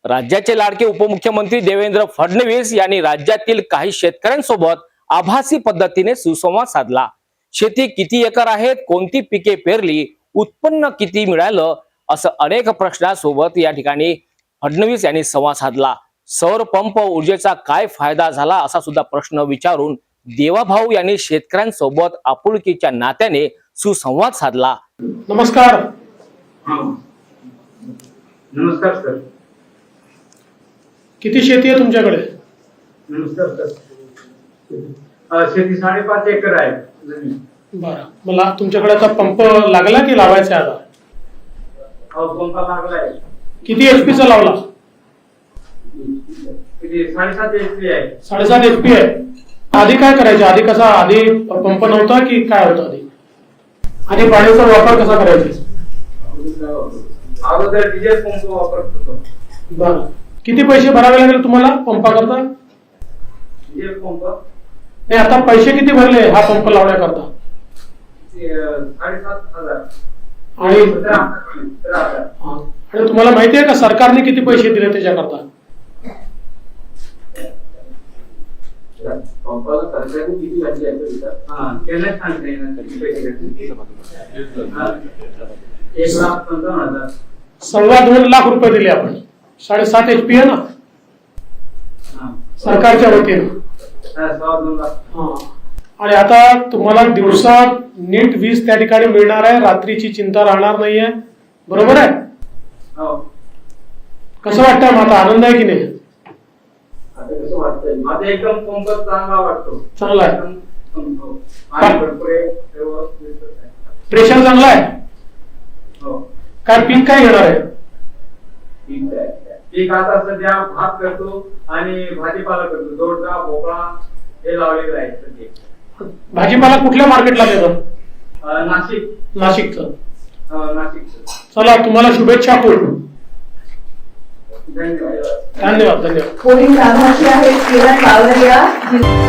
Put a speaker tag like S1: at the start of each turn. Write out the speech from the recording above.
S1: राज्याचे लाडके उपमुख्यमंत्री देवेंद्र फडणवीस यांनी राज्यातील काही शेतकऱ्यांसोबत आभासी पद्धतीने सुसंवाद साधला। शेती किती एकर आहेत, कोणती पिके पेरली, उत्पन्न किती मिळालं, असं अनेक प्रश्नांसोबत या ठिकाणी फडणवीस यांनी संवाद साधला। सौर पंप ऊर्जेचा काय फायदा झाला असा सुद्धा प्रश्न विचारून देवाभाऊ यांनी शेतकऱ्यांसोबत आपुलकीच्या नात्याने सुसंवाद साधला।
S2: नमस्कार।
S3: नमस्कार सर।
S2: किती शेती आहे तुमच्याकडे?
S3: नमस्कार सर। शेती 5.5 एकर आहे जमीन।
S2: बरं, मला तुमच्याकडे आता पंप लागला की लावायचा आहे आता?
S3: पंप लागलाय।
S2: किती HP चा लावला?
S3: किती 7.5 HP आहे।
S2: 7.5 HP आहे। आधी काय करायचे? आधी कसा, आधी पंप नव्हता की काय होतं? आधी पाण्याचा वापर कसा करायचा?
S3: अगोदर डिझेल पंप वापरत होतो।
S2: बरं, किती पैसे भरावे लागले तुम्हाला पंपाकरता?
S3: डिझेल पंप
S2: नाही, आता पैसे किती भरले हा पंप लावण्याकरता?
S3: 7,500
S2: आणि
S3: 13,000।
S2: आणि तुम्हाला माहिती आहे का सरकारने किती पैसे दिले त्याच्याकरता?
S3: पंपाला सरकारने किती घातले त्याला सांगता येणार किती पैसे घेतले? 1,55,000।
S2: 2.25 लाख रुपये दिले आपण। 7.5 HP आहे ना सरकारच्या वतीने। आणि आता तुम्हाला दिवसात नीट वीज त्या ठिकाणी मिळणार आहे, रात्रीची चिंता राहणार नाहीये, बरोबर आहे? कसं वाटतं? माझा आनंद आहे की नाही?
S3: कसं वाटतंय? माझा एकदम पंप चांगला वाटतो।
S2: चांगला आहे, प्रेशर चांगला आहे। काय पीक काय घेणार आहे?
S3: पीक आता सध्या भात करतो आणि भाजीपाला करतो। दोडका, भोपळा हे लावलेलं आहे सध्या।
S2: भाजीपाला कुठल्या मार्केटला देतो?
S3: नाशिकचं। नाशिकचं।
S2: चला, तुम्हाला शुभेच्छा खूप।
S3: धन्यवाद।
S2: धन्यवाद।
S4: पोलीस आभासी आहेत किरण बावरिया।